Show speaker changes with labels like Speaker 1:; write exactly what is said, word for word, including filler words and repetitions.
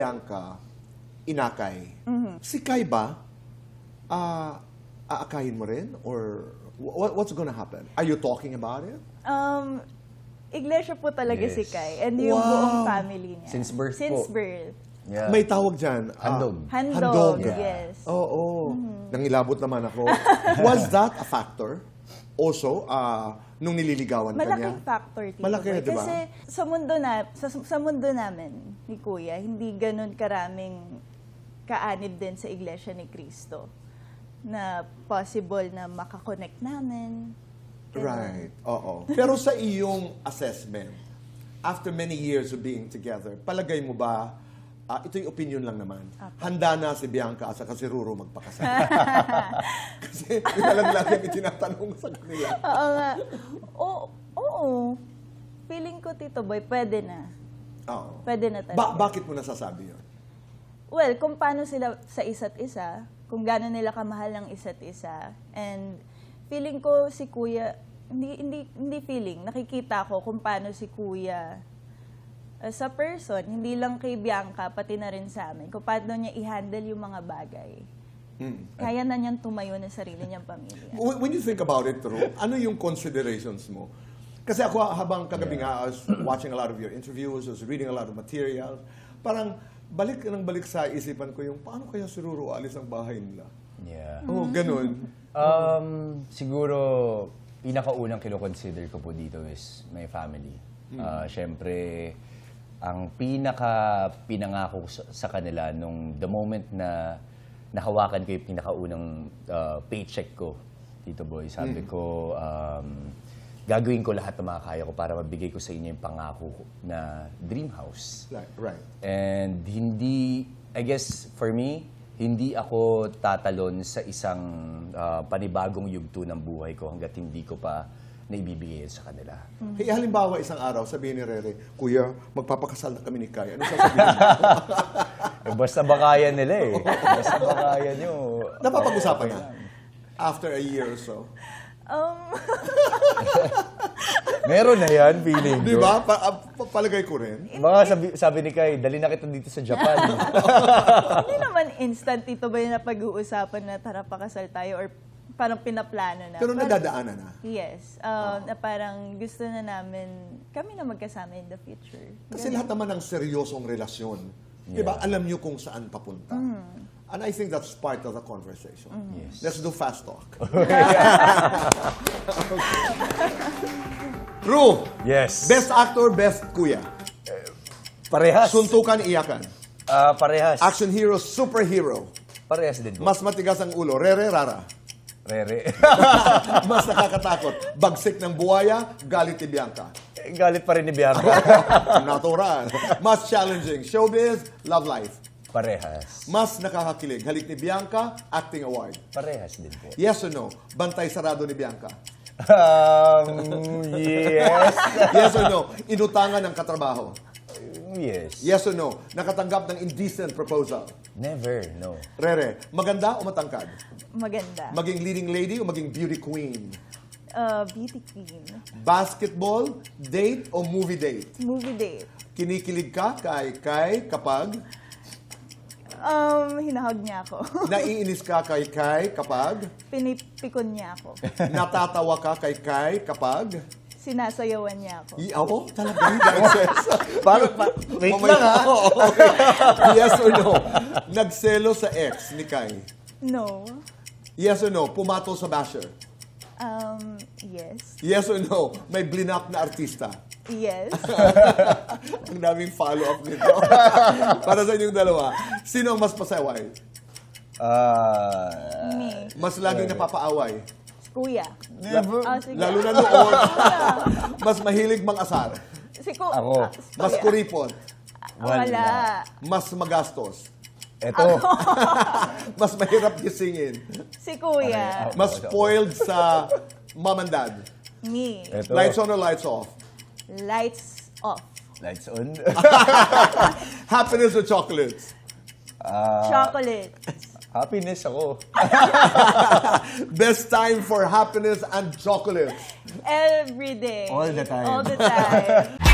Speaker 1: Bianca, inakay.
Speaker 2: Mm-hmm.
Speaker 1: Si Kai ba, ah, aakayin mo rin? Or what, what's gonna happen? Are you talking about it?
Speaker 2: Um, iglesia po talaga
Speaker 3: Yes.
Speaker 2: si Kai. And yung
Speaker 1: Wow.
Speaker 2: buong family niya.
Speaker 3: Since birth
Speaker 2: Since
Speaker 3: po.
Speaker 2: birth.
Speaker 3: Yeah.
Speaker 1: May tawag dyan. ah,
Speaker 3: Handog.
Speaker 2: Handog,
Speaker 3: Yeah.
Speaker 2: yes.
Speaker 1: Oo. Nangilabot naman ako. Was that a factor? Also, ah, nung nililigawan ka niya?
Speaker 2: Malaking factor, Tito
Speaker 1: Malaki,
Speaker 2: Boy.
Speaker 1: di ba?
Speaker 2: Kasi sa mundo, na, sa, sa mundo namin ni Kuya, hindi ganun karaming kaanib din sa Iglesia ni Cristo na possible na makakonect namin. Ganun.
Speaker 1: Right. Oo. Pero sa iyong assessment, after many years of being together, palagay mo ba, ah, ito yung opinion lang naman, handa na si Bianca at saka si Ruro magpakasal? Kasi yun na lang lagi ang itinatanong sa kanila.
Speaker 2: Oo nga. Oo. Oo. Feeling ko, Tito Boy, pwede na.
Speaker 1: Oo.
Speaker 2: Pwede na talaga.
Speaker 1: Ba- bakit mo nasasabi yun?
Speaker 2: Well, kung paano sila sa isa't isa, kung gaano nila kamahal ng isa't isa, and feeling ko si Kuya, hindi hindi hindi feeling, nakikita ko kung paano si Kuya uh, sa person, hindi lang kay Bianca, pati na rin sa amin, kung paano niya i-handle yung mga bagay.
Speaker 1: Mm.
Speaker 2: Kaya na niyang tumayo ng sarili niyang pamilya.
Speaker 1: When when you think about it, Ru, ano yung considerations mo? Kasi ako, habang kagabi nga, I was watching a lot of your interviews, I was reading a lot of materials, parang balik ng balik sa isipan ko yung, paano kaya si Ruro alis ang bahay nila?
Speaker 3: Yeah.
Speaker 1: Oo, ganun.
Speaker 3: Um, siguro, pinakaunang kino-consider ko po dito is my family. Uh, Siyempre, ang pinaka pinangako ko sa, sa kanila nung the moment na nahawakan ko yung pinakaunang uh, paycheck ko, Tito Boy, sabi ko, um, gagawin ko lahat ng makakaya ko para mabigay ko sa inyo yung pangako ko na dream house.
Speaker 1: Right, right.
Speaker 3: And hindi, I guess, for me, hindi ako tatalon sa isang uh, panibagong yugto ng buhay ko hanggat hindi ko pa naibibigay sa kanila.
Speaker 1: Hey, halimbawa, isang araw, sabihin ni Rere, Kuya, magpapakasal na kami ni Kai. Ano sasabihin mo?
Speaker 3: Eh, basta bakayan nila eh. Basta bakayan nyo.
Speaker 1: Napapag-usapan na? After a year or so.
Speaker 2: Um,
Speaker 3: Meron na yan, feeling ko.
Speaker 1: Di ba? Pa- ah, pa- palagay ko rin.
Speaker 3: Mga sabi, sabi ni Kai, dali na kita dito sa Japan.
Speaker 2: hindi naman instant, Tito Boy, na pag-uusapan na tara pakasal tayo or parang pinaplano na.
Speaker 1: Pero
Speaker 2: Parang-
Speaker 1: nadadaanan na.
Speaker 2: Yes. Um, na parang gusto na namin, kami na magkasama in the future.
Speaker 1: Kasi lahat naman ng seryosong relasyon, di ba, alam nyo kung saan papunta. And I think that's part of the conversation.
Speaker 3: Yes.
Speaker 1: Let's do fast talk. Ru,
Speaker 3: Yes.
Speaker 1: best actor, best kuya.
Speaker 3: Parehas.
Speaker 1: Suntukan, iyakan.
Speaker 3: Ah, parehas.
Speaker 1: Action hero, superhero.
Speaker 3: Parehas din po.
Speaker 1: Mas matigas ang ulo, rere, rara.
Speaker 3: Rere.
Speaker 1: Mas nakakatakot, bagsik ng buhaya, galit ni Bianca.
Speaker 3: Galit pa rin ni Bianca.
Speaker 1: Natural. Mas challenging, showbiz, love life.
Speaker 3: Parehas.
Speaker 1: Mas nakakakilig, halik ni Bianca, acting award.
Speaker 3: Parehas din po.
Speaker 1: Yes or no? Bantay sarado ni Bianca.
Speaker 3: Um, yes.
Speaker 1: Yes or no? Inutangan ng katrabaho.
Speaker 3: Yes.
Speaker 1: Yes or no? Nakatanggap ng indecent proposal.
Speaker 3: Never, no.
Speaker 1: Rere, maganda o matangkad?
Speaker 2: Maganda.
Speaker 1: Maging leading lady o maging beauty queen?
Speaker 2: Uh, beauty queen.
Speaker 1: Basketball, date o movie date?
Speaker 2: Movie date.
Speaker 1: Kinikilig ka kay kay kapag
Speaker 2: Um, hinahag niya ako.
Speaker 1: naiinis ka kay kay kapag
Speaker 2: Pinipikon niya ako.
Speaker 1: natatawa ka kay kay kapag
Speaker 2: Sinasayawan niya ako.
Speaker 1: I, ako? Talaga? Dahil sa...
Speaker 3: Parang, pa, wait
Speaker 1: Mamaya-
Speaker 3: lang ha.
Speaker 1: Oo, okay. Yes or no? Nagselo sa ex ni Kai.
Speaker 2: No.
Speaker 1: Yes or no? Pumato sa basher.
Speaker 2: Um, yes.
Speaker 1: Yes or no? May blinap na artista.
Speaker 2: Yes.
Speaker 1: Ang daming follow-up nito. Para sa inyong dalawa, sino ang mas pasaway?
Speaker 3: Ah,
Speaker 2: Me.
Speaker 1: Mas laging napapaaway?
Speaker 2: Kuya.
Speaker 3: never.
Speaker 2: Oh, sige.
Speaker 1: Lalo na noon, mas mahilig mang-asar.
Speaker 2: Si Ku-
Speaker 3: Ako.
Speaker 2: ah,
Speaker 1: Mas
Speaker 2: kuya.
Speaker 1: kuripon.
Speaker 2: Wala.
Speaker 1: Mas magastos.
Speaker 3: Eto.
Speaker 1: Mas mahirap gisingin.
Speaker 2: Si Kuya.
Speaker 1: Mas spoiled sa mom and dad.
Speaker 2: Me.
Speaker 3: Eto.
Speaker 1: Lights on or lights off?
Speaker 2: Lights off.
Speaker 3: Lights on.
Speaker 1: Happiness or chocolates?
Speaker 3: Ah,
Speaker 2: Chocolate.
Speaker 3: happiness ako.
Speaker 1: Best time for happiness and chocolates.
Speaker 2: Every day.
Speaker 3: All the time.
Speaker 2: All the time.